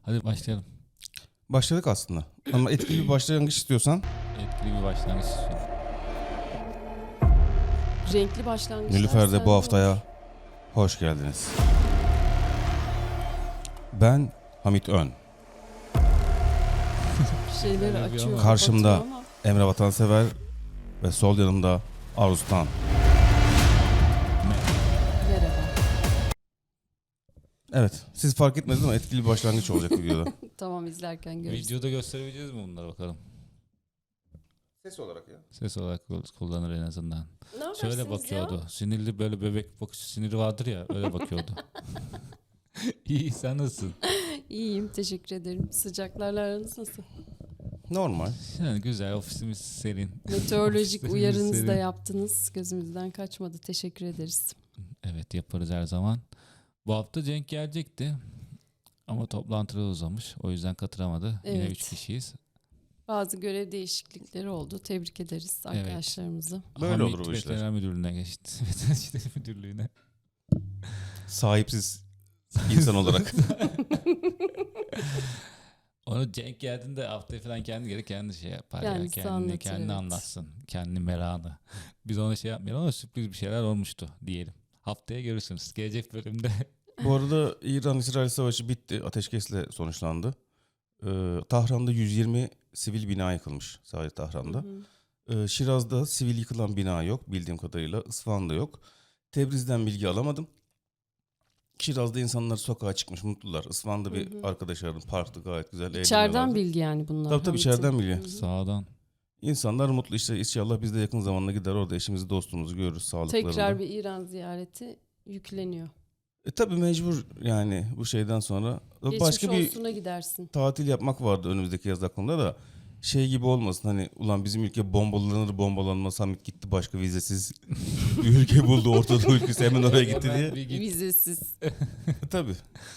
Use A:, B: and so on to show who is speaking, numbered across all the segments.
A: Hadi başlayalım.
B: Başladık aslında. Ama etkili bir başlangıç istiyorsan.
A: Etkili bir başlangıç istiyorum.
C: Renkli başlangıçlar.
B: Nilüfer'de
C: sende
B: bu
C: olur.
B: haftaya hoş geldiniz. Ben Hamit Ön.
C: Bir şeyleri
A: Öyle bir
C: açıyor.
A: ama.
B: Karşımda
C: kapatıyor ama
B: Emre Vatansever ve sol yanımda Aruztan.
C: merhaba.
B: Evet, siz fark etmediniz ama etkili bir başlangıç olacak videoda.
C: Tamam, izlerken görürüz.
A: Videoda gösterebileceğiz mi bunları bakalım?
B: Ses olarak ya.
A: Ses olarak kullanır en azından.
C: Ne
A: Şöyle
C: yaparsınız
A: bakıyordu.
C: ya?
A: Sinirli böyle bebek bakışı siniri vardır ya öyle bakıyordu. İyi sen nasılsın?
C: İyiyim, teşekkür ederim. Sıcaklarla aranız nasıl?
B: Normal.
A: Yani güzel ofisimiz serin.
C: Meteorolojik
A: Ofisimiz
C: uyarınızı da
A: serin.
C: yaptınız. Gözümüzden kaçmadı. Teşekkür ederiz.
A: Evet yaparız her zaman. Bu hafta Cenk gelecekti. Ama toplantıda uzamış. O yüzden katılamadı. Yine
C: Evet.
A: 3 kişiyiz.
C: Bazı görev değişiklikleri oldu. Tebrik ederiz arkadaşlarımızı.
B: Böyle
A: Hamit
B: olur bu işler.
A: Veteriner Müdürlüğü'ne geçti. Veteriner İşleri Müdürlüğü'ne.
B: Sahipsiz insan olarak.
A: Onu Cenk geldiğinde haftaya falan kendi şey yapar ya.
C: Kendisi
A: Kendini
C: anlatır, evet.
A: anlatsın. Kendi merakını. Biz ona şey yapmayalım ama sürpriz bir şeyler olmuştu diyelim. Haftaya görürsünüz. Gelecek bölümde.
B: Bu arada İran-İsrail Savaşı bitti. Ateşkesle sonuçlandı. Tahran'da 120 sivil bina yıkılmış. Sadece Tahran'da. Şiraz'da sivil yıkılan bina yok bildiğim kadarıyla. İsfahan'da yok. Tebriz'den bilgi alamadım. Şiraz'da insanlar sokağa çıkmış mutlular. İsfahan'da bir arkadaş aradım. Parkta gayet güzel
C: İçeriden
B: eğleniyorlardı.
C: bilgi yani bunlar.
B: Tabii
C: Hamit'in.
B: içeriden bilgi.
A: Sağdan.
B: İnsanlar mutlu işte inşallah biz de yakın zamanda gider orada eşimizi dostumuzu görürüz sağlıklarında.
C: Tekrar bir İran ziyareti yükleniyor.
B: Tabii mecbur yani bu şeyden sonra.
C: Geçmiş
B: Başka bir
C: olsuna gidersin.
B: tatil yapmak vardı önümüzdeki yaz aklımda da. Şey gibi olmasın hani ulan bizim ülke bombalanmaz Hamit gitti başka vizesiz bir ülke buldu Orta Doğu ülkesi hemen oraya gitti diye.
A: Bir git.
C: Vizesiz.
B: Tabii.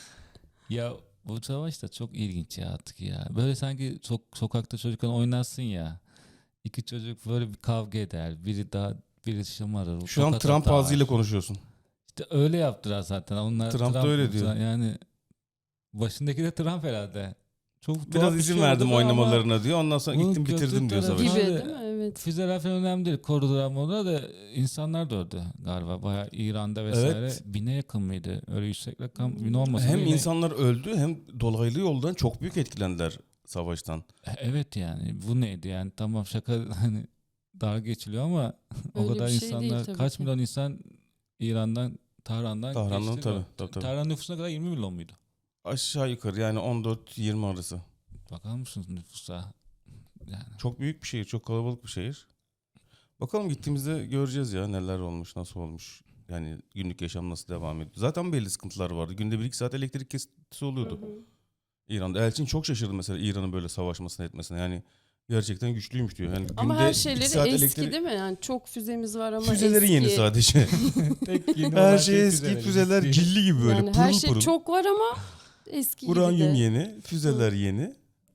A: Ya bu savaş da çok ilginç ya artık ya. Böyle sanki sokakta çocukken oynarsın ya. İki çocuk böyle bir kavga eder. Biri şımarır.
B: Şu an
A: tokat
B: Trump
A: atar.
B: ağzıyla konuşuyorsun.
A: İşte öyle yaptılar zaten. Onlar
B: Trump da öyle diyor.
A: Yani başındaki de Trump herhalde. Çok tuhaf
B: Biraz
A: bir
B: izin
A: şey
B: verdim
A: oldu da ama
B: oynamalarına diyor. Ondan sonra
A: bunun
B: gittim bitirdim
A: kötü
B: diyor
A: tarafı-
B: savaşı.
C: Gibi
A: Abi,
C: değil mi? Evet.
A: füzeler falan önemli değil. Korudular moda da insanlar da öldü galiba. Bayağı İran'da vesaire.
B: Evet.
A: Bine yakın mıydı? Öyle yüksek rakam bin olmasa
B: Hem
A: da yine-
B: insanlar öldü hem dolaylı yoldan çok büyük etkilendiler savaştan.
A: Evet yani bu neydi yani tamam şaka hani dalga geçiliyor ama o
C: Öyle
A: kadar
C: bir şey değil
A: insanlar
C: tabii
A: kaç
C: ki.
A: milyon insan İran'dan Tahran'dan
B: Tahran'dan
A: geçti.
B: tabii.
A: Tahran nüfusuna kadar 20 milyon muydu?
B: Aşağı yukarı yani 14-20 arası.
A: Bakar mısınız nüfusa? Yani
B: Çok büyük bir şehir, çok kalabalık bir şehir. Bakalım gittiğimizde göreceğiz ya neler olmuş, nasıl olmuş. Yani günlük yaşam nasıl devam ediyor. Zaten belli sıkıntılar vardı. Günde 1-2 saat elektrik kesintisi oluyordu. İran'da. Elçin çok şaşırdı mesela İran'ın böyle savaşmasına etmesine. Yani gerçekten güçlüymüş diyor. Yani
C: Ama
B: günde
C: her
B: 2
C: şeyleri
B: saat
C: eski değil mi? Yani çok füzemiz var ama
B: Füzeleri
C: eski.
B: yeni sadece.
A: tek yeni
B: Her
A: olan
B: şey eski, füzeler
A: eski.
B: cilli gibi böyle
C: Yani
B: pırıl
C: her şey
B: pırıl.
C: çok var ama eski gibi
B: Uranyum
C: de.
B: yeni, füzeler yeni.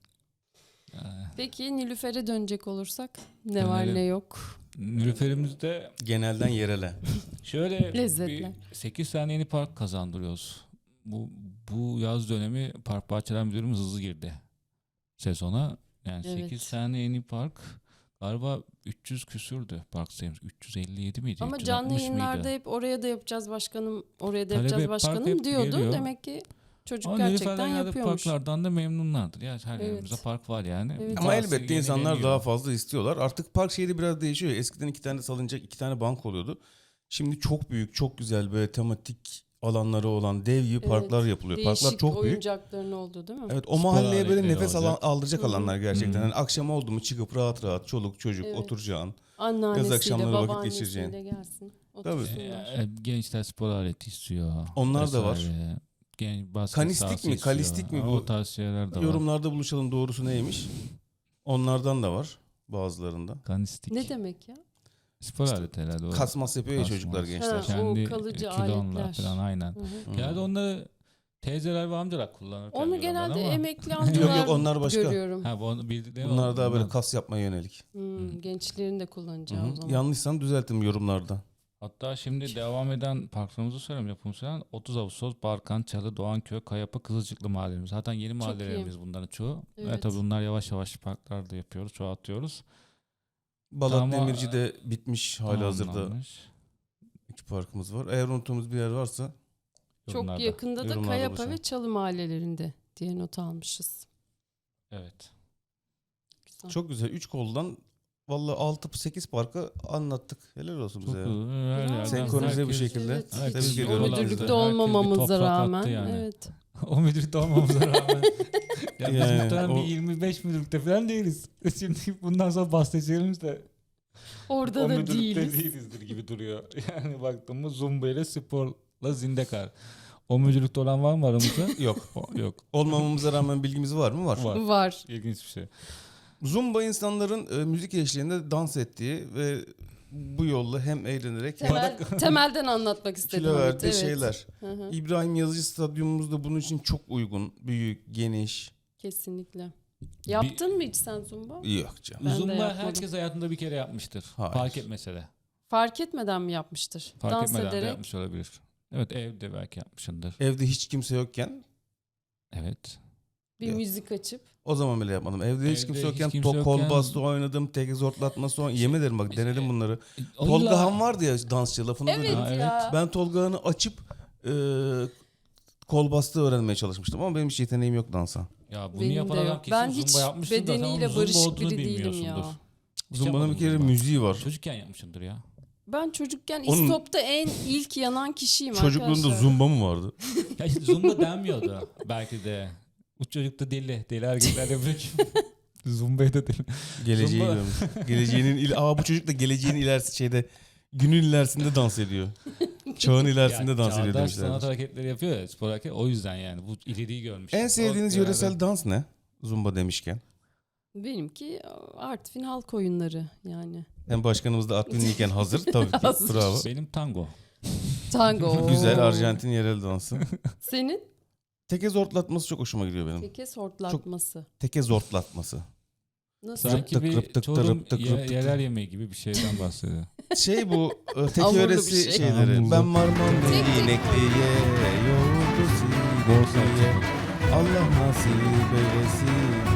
C: Peki Nilüfer'e dönecek olursak ne var
A: Dönelim.
C: ne yok.
A: Nilüfer'imizde
B: Genelden yerele.
A: şöyle
C: Lezzetler.
A: bir 8 tane yeni park kazandırıyoruz. Bu yaz dönemi Park Bahçeler Müdürümüz hızlı girdi sezona. Yani
C: Evet.
A: 8 tane yeni park galiba 300 küsürdü park sayımız. 357 miydi?
C: Ama
A: 360
C: canlı
A: mıydı?
C: yayınlarda hep oraya da yapacağız başkanım, oraya da
A: Talep
C: yapacağız
A: hep, park
C: başkanım
A: hep
C: diyordu.
A: geliyor.
C: Demek ki çocuk
A: Ama
C: gerçekten
A: Nilüfer'den geldi
C: yapıyormuş.
A: parklardan da memnunlardır. Ya her
C: Evet.
A: yerimizde park var yani.
C: Evet.
B: Ama
A: Bazısı
B: elbette insanlar
A: yenileniyor.
B: daha fazla istiyorlar. Artık park şehri biraz değişiyor. Eskiden 2 tane salıncak, 2 tane bank oluyordu. Şimdi çok büyük, çok güzel böyle tematik alanları olan dev gibi
C: Evet.
B: parklar yapılıyor.
C: Değişik
B: Parklar çok büyük.
C: oyuncakların olduğu değil mi?
B: Evet o
A: Spor
B: mahalleye böyle
A: aletleri
B: nefes
A: olacak.
B: aldıracak alanlar gerçekten.
A: Hı hı.
B: Yani akşam oldu mu çıkıp rahat rahat çoluk çocuk
C: Evet.
B: oturacağın.
C: Anneannesiyle,
B: akşamları vakit
C: babaannesiyle
B: geçireceğin.
C: gelsin. Otursunlar.
A: Gençler spor aleti istiyor.
B: Onlar da var.
A: vesaire. Basket
B: Kanistik
A: sahası
B: mi,
A: istiyor.
B: kalistik mi bu?
A: O tarz şeyler de var.
B: Yorumlarda buluşalım doğrusu neymiş? Onlardan da var bazılarında.
A: Kanistik.
C: Ne demek ya?
A: Spor aleti herhalde. O.
B: Kasmas yapıyor ya
A: Kasmas.
B: çocuklar gençler.
C: Ha.
A: Kendi
C: o kalıcı
A: kilonla
C: aletler.
A: falan aynen.
C: Hı hı.
A: Genelde onları teyzeler ve amcalar kullanır.
C: Onu genelde
A: ama.
C: emekli amcalar
B: Yok, onlar başka.
C: görüyorum.
A: Ha, bu bildikleri
B: Bunlar daha böyle
A: ondan.
B: kas yapmaya yönelik.
C: Gençlerin de
B: Hı
C: kullanacağı o
B: hı.
C: zaman.
B: Yanlışsam düzeltin yorumlarda.
A: Hatta şimdi devam eden parklarımızı söyleyeyim, yapım süren 30 Ağustos, Barkan, Çalı, Doğanköy, Kayapı, Kızılcıklı mahallelerimiz. Zaten yeni
C: iyi.
A: mahallelerimiz bunların çoğu.
C: Evet.
A: Tabii bunlar yavaş yavaş parklarda yapıyoruz, çoğaltıyoruz.
B: Balat
A: Ama-
B: Demirci'de bitmiş halihazırda
A: Tamamlanmış.
B: 2 parkımız var. Eğer unuttuğumuz bir yer varsa
C: Çok
A: Yorumlarda.
C: yakında da
B: Yorumlarda
C: Kayapa
B: buluşalım.
C: ve Çalı mahallelerinde diye not almışız.
A: Evet.
C: Güzel.
B: çok güzel. 3 koldan vallahi 6-8 parkı anlattık. Helal olsun
A: Çok
B: bize ya.
A: her yerden
B: Senkronize bir
A: herkes-
B: şekilde.
C: Evet,
B: Tebrik
C: hiç
B: ediyorum.
C: o
B: Herkes
C: müdürlükte
B: de.
C: olmamamıza
A: Herkes bir toprak
C: rağmen.
A: attı yani.
C: Evet.
A: O müdürlükte olmamıza rağmen. Ya biz
B: Yani
A: muhtemelen
B: o-
A: bir 25 müdürlükte falan değiliz. Şimdi bundan sonra bahsedeceğimiz de
C: Orada
A: o
C: da
A: müdürlükte
C: değiliz.
A: değilizdir gibi duruyor. Yani baktığımız Zumba ile sporla Zindekar. O müdürlükte olan var mı aramızda?
B: Yok.
A: Yok.
B: Olmamamıza rağmen bilgimiz var mı? Var.
A: Var.
C: Var.
A: İlginç bir şey.
B: Zumba insanların müzik eşliğinde dans ettiği ve bu yolla hem eğlenerek hem
C: Temelden anlatmak istedim.
B: kilo
C: Hamit,
B: verdiği
C: evet.
B: şeyler.
C: Hı hı,
B: İbrahim Yazıcı Stadyumumuz da bunun için çok uygun. Büyük, geniş.
C: kesinlikle. Yaptın mı hiç sen Zumba?
B: Yok canım.
C: Ben de
A: Zumba
C: yapmadım.
A: herkes hayatında bir kere yapmıştır.
B: Hayır.
A: Fark etmese de.
C: Fark etmeden mi yapmıştır?
A: Fark
C: Dans
A: etmeden de
C: ederek.
A: yapmış olabilir. Evet, evde belki yapmışındır.
B: Evde hiç kimse yokken
A: Evet.
C: Bir
B: Yok.
C: müzik açıp.
B: o zaman bile yapmadım. Evde hiç
A: Evde
B: kimse
A: hiç
B: yokken
A: kimse yokken-
B: kol bastı oynadım. Tek zortlatması oynadım. Yemin ederim bak
A: Mesela-
B: denedim bunları.
A: O
B: Tolga
A: illa-
B: Han vardı ya dansçı lafını
C: Evet
B: duydum.
A: Ha, evet.
C: ya.
B: Ben Tolga Han'ı açıp kol bastığı öğrenmeye çalışmıştım ama benim hiç yeteneğim yok dansa.
A: Ya bunu
C: Benim
A: yapan
C: de
A: adam
C: yok.
A: kesin
C: Ben
A: Zumba
C: hiç
A: yapmıştır da sen onun
C: bedeniyle
A: Zumba
C: barışık
A: olduğunu
C: biri değilim
A: bilmiyorsundur.
C: ya.
A: Hiç
B: Zumba'nın bir
A: yapmadın
B: kere
A: Zumba.
B: müziği var.
A: Çocukken yapmışımdır ya.
C: Ben çocukken
B: Onun-
C: İstop'ta en ilk yanan kişiyim
B: Çocukluğunda
C: arkadaşlar.
B: zumba mı vardı?
A: Ya işte Zumba denmiyordu belki de. Bu çocuk da deli. Deli hareketler yapıyor ki. Zumba'yı da deli.
B: Geleceği
A: Zumba-
B: görmüş. Bu çocuk da geleceğin ilerisi şeyde günün ilerisinde dans ediyor. Çağın ilerisinde
A: Ya
B: dans ediyor
A: çağdaş sanat
B: demişler.
A: hareketleri yapıyor ya, spor hareket. O yüzden yani bu ileriyi görmüş.
B: En sevdiğiniz
A: O
B: yöresel dans ne? Zumba demişken.
C: Benimki Artvin halk oyunları yani.
B: Hem başkanımız da Artvinliyken hazır tabii ki.
C: Hazır.
B: Bravo.
A: Benim tango.
C: Tango.
B: Güzel Arjantin yerel dansı.
C: Senin
B: Teke zortlatması çok hoşuma gidiyor benim.
C: teke sortlatması.
B: Teke zortlatması.
C: Nasıl?
A: Sanki
B: Rıptık,
A: bir
B: rıptık,
A: Çorum
B: rıptık, rıptık.
A: yerel yemeği gibi bir şeyden bahsediyor.
B: Şey bu teke
C: Hamurlu
B: yöresi
C: bir şey.
B: şeyleri.
A: Hamurlu.
B: Ben varmam
C: Tek tek
B: inekliye, yoğurdu sinekliye. Allah nasip eylesin.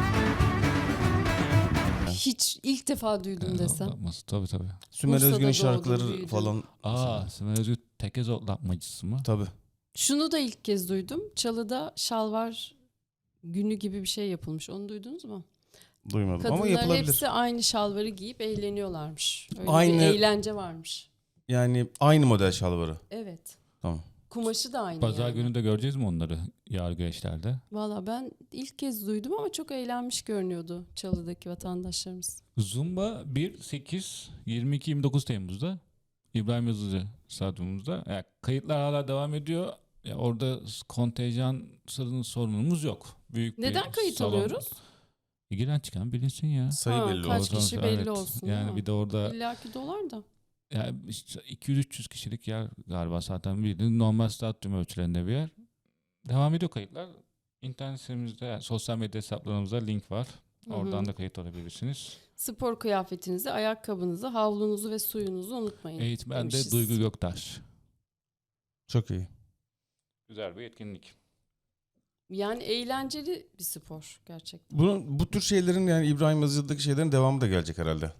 C: Hiç ilk defa duydum desem.
A: Otlatması, tabii tabii.
B: Sümer
C: Bursa'da
B: Özgün'ün
C: doğdum,
B: şarkıları
C: büyüdüm.
B: falan.
A: Sümer Özgür tekez otlatmacısı mı?
B: Tabii.
C: Şunu da ilk kez duydum. Çalı'da şalvar günü gibi bir şey yapılmış. Onu duydunuz mu?
B: Duymadım ama
C: Kadınlar
B: yapılabilir.
C: hepsi aynı şalvarı giyip eğleniyorlarmış. Öyle
B: Aynı-
C: bir eğlence varmış.
B: Yani aynı model şalvarı.
C: Evet.
B: Tamam.
C: Kumaşı da aynı
A: Pazar
C: yani.
A: günü de göreceğiz mi onları yargı eşlerde?
C: Valla ben ilk kez duydum ama çok eğlenmiş görünüyordu Çalı'daki vatandaşlarımız.
A: Zumba 1, 8, 22, 29 Temmuz'da İbrahim Yazıcı Stadyumumuzda. Yani kayıtlar hala devam ediyor. Ya orada kontenjan sorunumuz yok. Büyük bir
C: Neden kayıt
A: salon.
C: alıyoruz?
A: Giren çıkan bilinsin ya.
B: Sayı
C: Ha,
B: belli
C: kaç
B: olsun.
C: kişi belli olsun, değil
A: Yani
C: mi?
A: bir de orada
C: İlla ki dolar da.
A: yani işte 200-300 kişilik yer galiba zaten bildiğin normal stadyum ölçülerinde bir yer. Devam ediyor kayıtlar. İnternet sitemizde, yani sosyal medya hesaplarımızda link var.
C: Hı hı.
A: Oradan da kayıt olabilirsiniz.
C: Spor kıyafetinizi, ayakkabınızı, havlunuzu ve suyunuzu unutmayın.
A: Eğitmen de
C: demişiz.
A: Duygu Göktaş.
B: Çok iyi.
A: Güzel bir etkinlik.
C: Yani eğlenceli bir spor gerçekten.
B: Bu tür şeylerin yani İbrahim Yazıcı'daki şeylerin devamı da gelecek herhalde.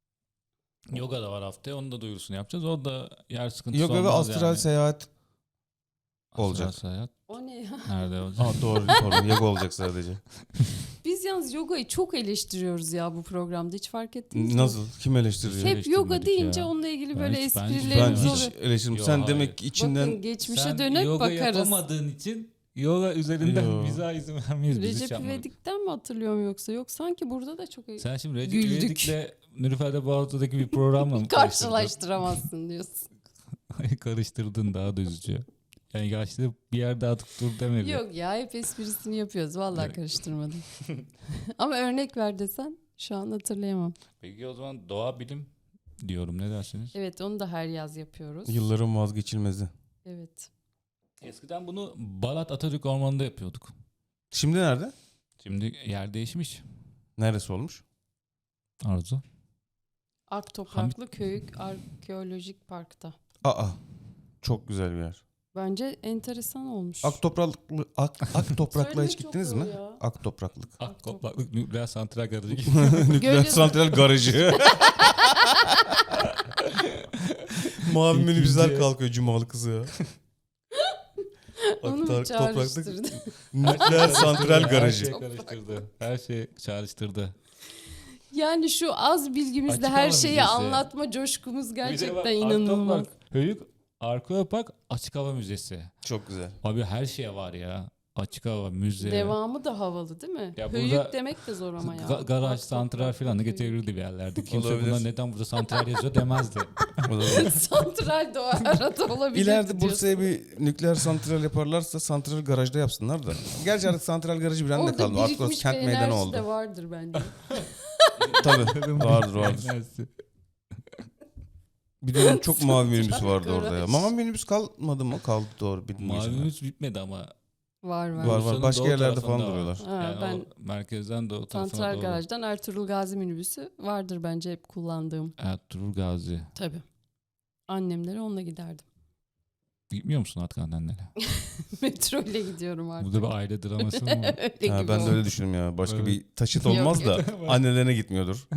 A: Yoga da var haftaya. Onun da duyurusunu yapacağız. O da yer sıkıntısı
B: Yoga ve
A: olmaz
B: astral
A: yani.
B: seyahat
A: Astral
B: olacak.
A: seyahat
C: O ne ya?
A: nerede olacak?
B: Doğru pardon yoga olacak sadece.
C: Biz yalnız yogayı çok eleştiriyoruz ya bu programda. Hiç fark ettiniz mi?
B: Nasıl? Kim eleştiriyor?
A: Hep-
C: Hep yoga
A: eleştirmedik
C: deyince
A: ya.
C: onunla ilgili
A: Ben
C: böyle
A: hiç- ben
C: esprilerimiz
B: Ben
C: oluyor.
B: hiç eleştirmiyorum.
A: Yo,
B: Sen
A: hayır.
B: demek ki içinden
C: Bakın geçmişe
A: Sen
C: dönüp
A: yoga
C: bakarız.
A: yapamadığın için yoga üzerinden
B: Yo.
A: bize izin vermeyiz. Biz hiç
C: Recep
A: yapmadık.
C: İvedik'ten mi hatırlıyorum yoksa? Yok sanki burada da çok
A: Sen şimdi Recep
C: Güldük.
A: İvedik'le Nilüfer'de Bağlı'daki bir programla mı karıştırdın?
C: karşılaştıramazsın diyorsun.
A: Karıştırdın, daha da üzücü. Yani yaşlı bir yerde atıp dur demedi.
C: Yok ya hep esprisini yapıyoruz. Vallahi
A: Evet.
C: karıştırmadım. Ama örnek ver desen şu an hatırlayamam.
A: Peki o zaman doğa bilim diyorum. Ne dersiniz?
C: Evet onu da her yaz yapıyoruz.
B: yılların vazgeçilmezi.
C: Evet.
A: Eskiden bunu Balat Atatürk Ormanı'nda yapıyorduk.
B: Şimdi nerede?
A: Şimdi yer değişmiş.
B: Neresi olmuş?
A: Arzu.
C: Ark Topraklı Köy Arkeolojik Park'ta.
B: Aa, çok güzel bir yer.
C: Bence enteresan olmuş.
B: Ak toprakla
C: Söylemek
B: hiç
C: çok
B: gittiniz
C: zor
B: mi?
C: ya.
B: Ak topraklık.
A: Akkopaklık nükleer santral garajı gibi.
B: Nükleer
C: Gölge-
B: santral garajı. Mavi minibüsler
A: İkinci.
B: kalkıyor cumalı kızı ya.
C: Onu mu
B: Topraklık
C: çağrıştırdı?
B: nükleer santral
A: Her
B: garajı.
A: şey karıştırdı. Her şey çağrıştırdı.
C: Yani şu az bilgimizle
A: Açık
C: her
A: hava
C: şeyi
A: müzesi.
C: anlatma coşkumuz
A: Bir de
C: gerçekten
A: bak,
C: inanılmaz.
A: Akkoprak, Höyük, Arkeopark Açık Hava Müzesi.
B: Çok güzel.
A: Abi her şeye var ya. Açık hava, müze.
C: Devamı da havalı değil mi?
A: Ya
C: Höyük
A: burada
C: demek de zor ama ya.
A: Garaj,
C: Bak,
A: santral
C: toprak,
A: falan da
C: höyük.
A: getirirdi bir yerlerde. Kimse
B: Olabilir.
A: buna neden burada santral yazıyor demezdi.
C: Santral de o arada olabilir.
B: İleride Bursa'ya bir nükleer santral yaparlarsa santral garajda yapsınlar da. Gerçi artık santral garajı bir anda
C: Orada
B: kaldı. Artık
C: birikmiş
B: orası
C: bir
B: kent meydanı
C: enerji
B: oldu.
C: de vardır bence.
B: Tabii vardır. Bir dönem çok mavi minibüs vardı orada ya.
C: garaj.
B: Mavi minibüs kalmadı mı? Kaldı doğru.
A: Mavimiz bitmedi ama.
C: Var.
B: Var var.
A: Bursa'nın
B: Başka
A: doğu
B: yerlerde falan
A: tarafında var.
B: duruyorlar.
C: Ha,
A: Yani
C: ben
A: o merkezden doğu tarafına
C: Santral
A: doğru.
C: Garaj'dan Ertuğrul Gazi minibüsü vardır bence hep kullandığım.
A: Ertuğrul Gazi.
C: Tabii. Annemlere onunla giderdim.
A: Gitmiyor musun artık annenlere?
C: Metro ile gidiyorum artık.
A: Burada bir aile draması mı var?
C: Öyle
B: Ha,
C: gibi
B: ben de
C: oldu.
B: öyle düşündüm ya. Başka
A: Evet.
B: bir taşıt
C: Yok,
B: olmaz da
A: yok.
B: annelerine gitmiyordur.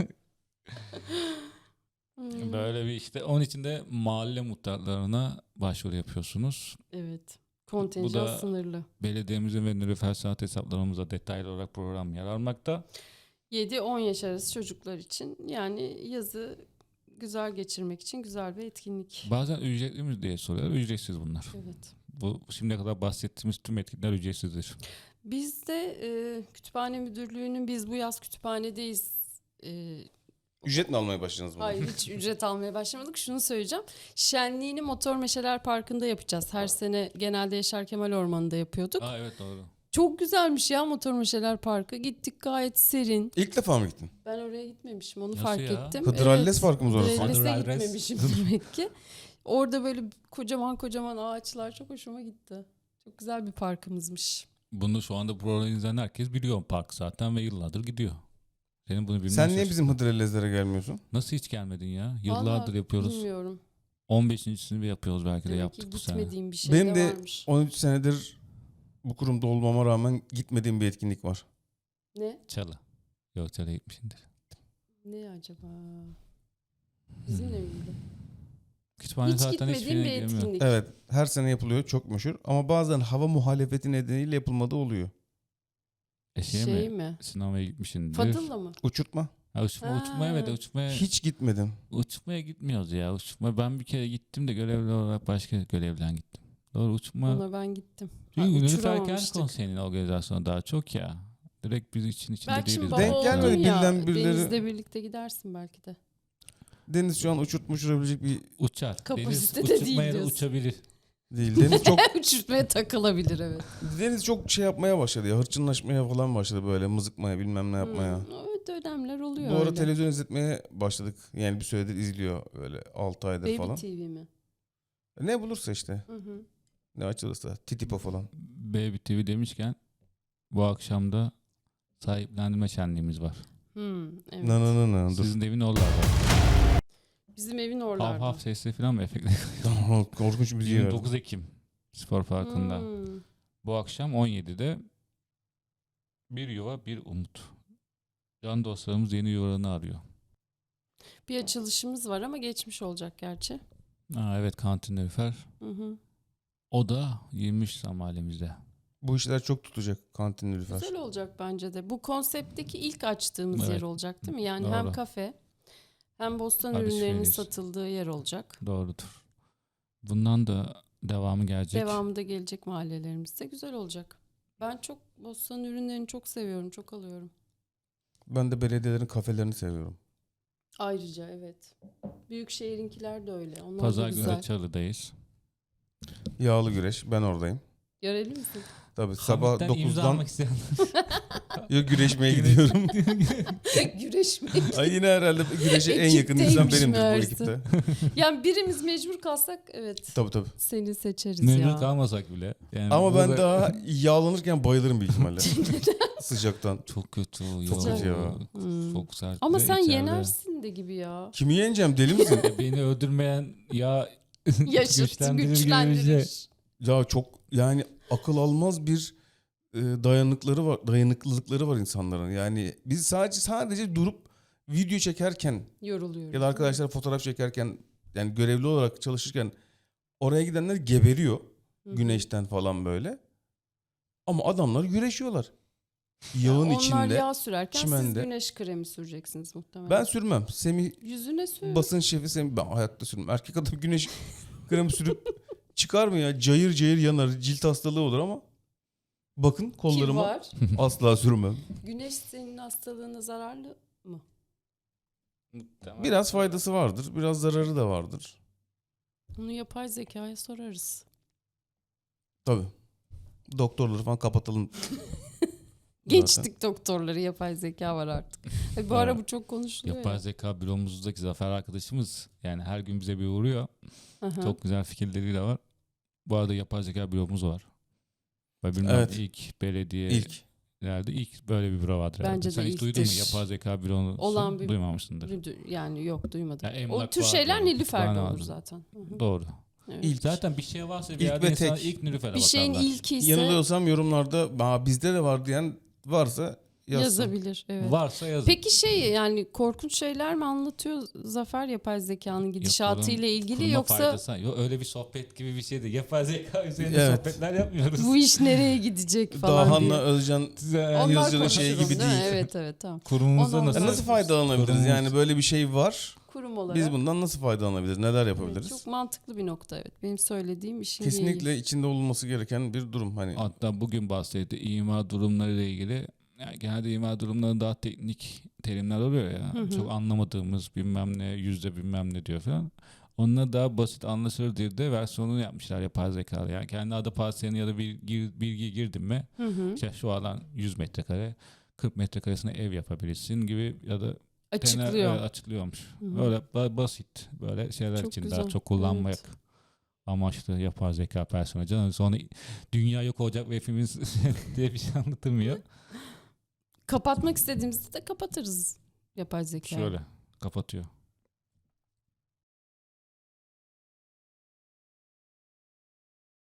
C: Hmm,
A: Böyle bir işte onun için de mahalle muhtarlarına başvuru yapıyorsunuz.
C: Evet. Kontenjan
A: da-
C: sınırlı.
A: Belediyemizin ve nüfus saat hesaplarımıza detaylı olarak program yer almakta.
C: 7-10 yaş arası çocuklar için yani yazı güzel geçirmek için güzel bir etkinlik.
A: Bazen ücretli mi diye soruyorlar. Ücretsiz bunlar.
C: Evet.
A: Bu şimdiye kadar bahsettiğimiz tüm etkinlikler ücretsizdir.
C: Biz de kütüphane müdürlüğünün biz bu yaz kütüphanedeyiz.
B: Ücret mi almaya başladınız mı?
C: Hayır hiç ücret almaya başlamadık. Şunu söyleyeceğim. Şenliğini Motor Meşeler Parkı'nda yapacağız. Her sene genelde Yaşar Kemal Ormanı'nda yapıyorduk.
A: Aa evet doğru.
C: Çok güzelmiş ya Motor Meşeler Parkı. Gittik gayet serin.
B: İlk defa mı gittin?
C: Ben oraya gitmemişim onu
A: Nasıl
C: fark
A: ya?
C: ettim.
B: Hıdrellez Parkımız orası.
C: Hıdrellez'e
A: Hıdrellez.
C: gitmemişim demek ki. Orada böyle kocaman kocaman ağaçlar çok hoşuma gitti. Çok güzel bir parkımızmış.
A: Bunu şu anda program izleyen herkes biliyor park zaten ve yıllardır gidiyor. Senin bunu bilmen
B: Sen niye
A: şaşırtıcı.
B: bizim Hıdrellezlere gelmiyorsun?
A: Nasıl hiç gelmedin ya? Yıllardır
C: Vallahi
A: yapıyoruz.
C: Bilmiyorum.
A: 15.sini yapıyoruz belki de
C: Demek ki
A: yaptık bu sene.
C: gitmediğim bir şey
B: Benim de
C: varmış.
B: 13 senedir bu kurumda olmama rağmen gitmediğim bir etkinlik var.
C: Ne?
A: Çalı. Yok Çalı'ya gitmişsindir.
C: Ne acaba? Bizimle miydi?
A: Kütüphane
C: Hiç
A: zaten
C: gitmediğim bir
A: hiçbirine girmiyor.
C: etkinlik.
B: Evet, her sene yapılıyor, çok meşhur. Ama bazen hava muhalefeti nedeniyle yapılmadığı oluyor.
A: Şey mi?
C: mi?
A: Sinemaya gitmişsindir.
C: Fadıl'la mı?
B: Uçurtma.
A: Ha, uçmaya
C: Ha.
A: ve de uçmaya,
B: Hiç gitmedim.
A: uçmaya gitmiyoruz ya. Uçma, ben bir kere gittim de görevli olarak başka görevden gittim. Doğru uçma.
C: Ona ben gittim.
A: Çünkü Nilüfer Kent
C: uçuramamıştık.
A: Konseyi'nin organizasyonu daha çok ya. Direkt biz için içinde
C: Belki şimdi
A: değiliz.
C: baba
B: Denk
C: oldun
B: gelmedi,
C: ya.
B: bilden birileri-
C: Deniz'le birlikte gidersin belki de.
B: Deniz şu an uçurabilecek bir
A: Uçar.
C: Kapasitede
A: Deniz
C: değil
A: uçurmaya da
C: diyorsun.
A: uçabilir.
B: değil. Deniz çok
C: Uçurtmaya takılabilir evet.
B: Deniz çok şey yapmaya başladı ya. Hırçınlaşmaya falan başladı böyle, mızıkmaya, bilmem ne yapmaya.
C: Evet dönemler oluyor
B: Bu ara
C: öyle.
B: televizyon izletmeye başladık. Yani bir süredir izliyor öyle 6 aydır
C: Baby
B: falan.
C: TV mi?
B: Ne bulursa işte.
C: Hı hı.
B: Ne açılırsa. Titipo falan.
A: Baby TV demişken bu akşam da sahiplendirme şenliğimiz var.
C: Evet.
B: Dur.
A: Sizin evin oralarda.
C: Bizim evin
A: Hav
C: oralarda.
A: hav sesli falan mı efektli?
B: Korkunç müziği var.
A: 29 Ekim Spor Parkı'nda.
C: Hmm.
A: Bu akşam 17'de bir yuva bir umut. Can dostlarımız yeni yuvalarını arıyor.
C: Bir açılışımız var ama geçmiş olacak gerçi.
A: Aa, evet kantin Nilüfer.
C: Hı hı.
A: O da 23 mahallemizde.
B: Bu işler çok tutacak kantin Nilüfer.
C: Güzel olacak bence de. Bu konseptteki ilk açtığımız
A: Evet.
C: yer olacak değil mi? Yani
A: Doğru.
C: hem kafe hem bostan
A: Alışveriş.
C: ürünlerinin satıldığı yer olacak.
A: Doğrudur. Bundan da devamı gelecek.
C: Devamında gelecek mahallelerimizde güzel olacak. Ben çok bostan ürünlerini çok seviyorum, çok alıyorum.
B: Ben de belediyelerin kafelerini seviyorum.
C: Ayrıca evet. Büyükşehir'inkiler de öyle. Onlar
A: Pazar
C: da
A: günü
C: güzel.
A: de Çalı'dayız.
B: Yağlı güreş, ben oradayım.
C: Göreli misin?
B: Tabii sabah
A: Hamitten imza
B: 9'dan
A: almak isteyen.
B: ya güreşmeye gidiyorum.
C: Güreşmek.
B: Ay yine herhalde güreşe en yakın insan
C: Ekipteymiş
B: benimdir bu
C: meğerse.
B: ekipte.
C: Yani birimiz mecbur kalsak evet.
B: Tabii.
C: Seni seçeriz
A: Memnun
C: ya.
A: kalmasak bile. Yani
B: Ama ben
A: burada-
B: daha yağlanırken bayılırım büyük ihtimalle. Sıcaktan.
A: çok kötü.
B: Çok
A: ya.
B: kötü ya.
C: Hmm.
A: Çok sert.
C: Ama
A: ve
C: sen
A: içeride.
C: yenersin de gibi ya.
B: Kimi yeneceğim, deli misin?
A: Beni öldürmeyen ya
C: Yaşıt,
A: güçlendirir gibi bir şey.
C: güçlendirir.
B: Ya çok yani akıl almaz bir dayanıklılıkları var insanların. Yani biz sadece durup video çekerken
C: Yoruluyoruz.
B: ya da arkadaşlar fotoğraf çekerken yani görevli olarak çalışırken oraya gidenler geberiyor güneşten falan böyle. Ama adamlar güreşiyorlar. Yağın
C: Onlar
B: içinde.
C: yağ sürerken
B: çimende.
C: siz güneş kremi süreceksiniz muhtemelen.
B: Ben sürmem. Semih
C: Yüzüne sür.
B: basın şefi Semih, ben hayatta sürmem. Erkek adam güneş kremi sürüp çıkar mı ya? Cayır cayır yanar. Cilt hastalığı olur ama bakın
C: Ki
B: kollarıma
C: var.
B: asla sürmem.
C: Güneş senin hastalığına zararlı mı?
B: Biraz faydası vardır. Biraz zararı da vardır.
C: Bunu yapay zekaya sorarız.
B: Tabii. Doktorları falan kapatalım.
C: Geçtik doktorları, yapay zeka var artık. Bu ara
A: Evet.
C: bu çok konuşuluyor
A: Yapay
C: ya.
A: zeka büromuzdaki Zafer arkadaşımız yani her gün bize bir uğruyor.
C: Aha.
A: Çok güzel fikirleriyle var. Bu arada yapay zeka büromuz var. Ve bilmem
B: Evet.
A: ilk belediye
B: İlk.
A: nerede ilk böyle bir büro vardır.
C: Bence
A: herhalde.
C: de
A: Sen hiç
C: ilk.
A: duydun mu?
B: Hiç.
A: Yapay zeka büronu
C: Olan bir-
A: duymamışsındır.
C: Yani yok, duymadım.
A: Ya emlak
C: O tür
A: vardı,
C: şeyler Nilüfer'de
A: kütüphane
C: olur
A: vardı.
C: zaten. Hı hı.
A: Doğru.
C: Evet.
B: İlk.
A: Zaten bir şey varsa bir
B: İlk
A: yerde
B: ve
A: insan
B: tek.
A: ilk Nilüfer'e
C: Bir şeyin
A: bakarlar.
C: ilki ise
B: Yanılıyorsam yorumlarda bizde de var diyen varsa yazsın.
C: yazabilir. Evet.
A: Varsa yazın.
C: Peki yani korkunç şeyler mi anlatıyor Zafer yapay zekanın gidişatıyla ilgili,
A: Kurma
C: yoksa
A: faydası. Yok, öyle bir sohbet gibi bir şeydi. Yapay zeka üzerine
B: Evet.
A: sohbetler yapmıyoruz.
C: bu iş nereye gidecek falan
B: Dahan'la
C: diye.
B: Özcan
C: Onlar
B: Yazıcı'nın
C: konuşurum,
B: şeyi gibi
C: değil mi?
B: değil.
C: Evet tamam.
A: Kurumumuzda
C: Ondan
A: nasıl?
B: Nasıl faydalanabiliriz?
A: Kurumumuz.
B: Yani böyle bir şey var.
C: Kurum olarak.
B: Biz bundan nasıl faydalanabiliriz? Neler
C: Evet,
B: yapabiliriz?
C: çok mantıklı bir nokta, evet. Benim söylediğim işin
B: Kesinlikle
C: değil.
B: içinde olunması gereken bir durum. Hani
A: Hatta bugün bahsetti imar durumları ile ilgili. Yani genelde imar durumları daha teknik terimler oluyor ya. Çok anlamadığımız bilmem ne, yüzde bilmem ne diyor falan. Onunla daha basit anlaşılır diye de versiyonunu yapmışlar yapay zekalı. Yani kendi adı parselini ya da bilgi girdin mi işte şu alan 100 metrekare 40 metrekaresine ev yapabilirsin gibi ya da
C: Açıklıyor.
A: evet, açıklıyormuş. Öyle basit böyle şeyler
C: Çok
A: için
C: güzel.
A: daha çok kullanmak amaçlı yapay zeka personeli. Sonra dünya yok olacak ve hepimiz diye bir şey anlatılmıyor.
C: Kapatmak istediğimizde de kapatırız yapay zekayı.
A: Şöyle kapatıyor.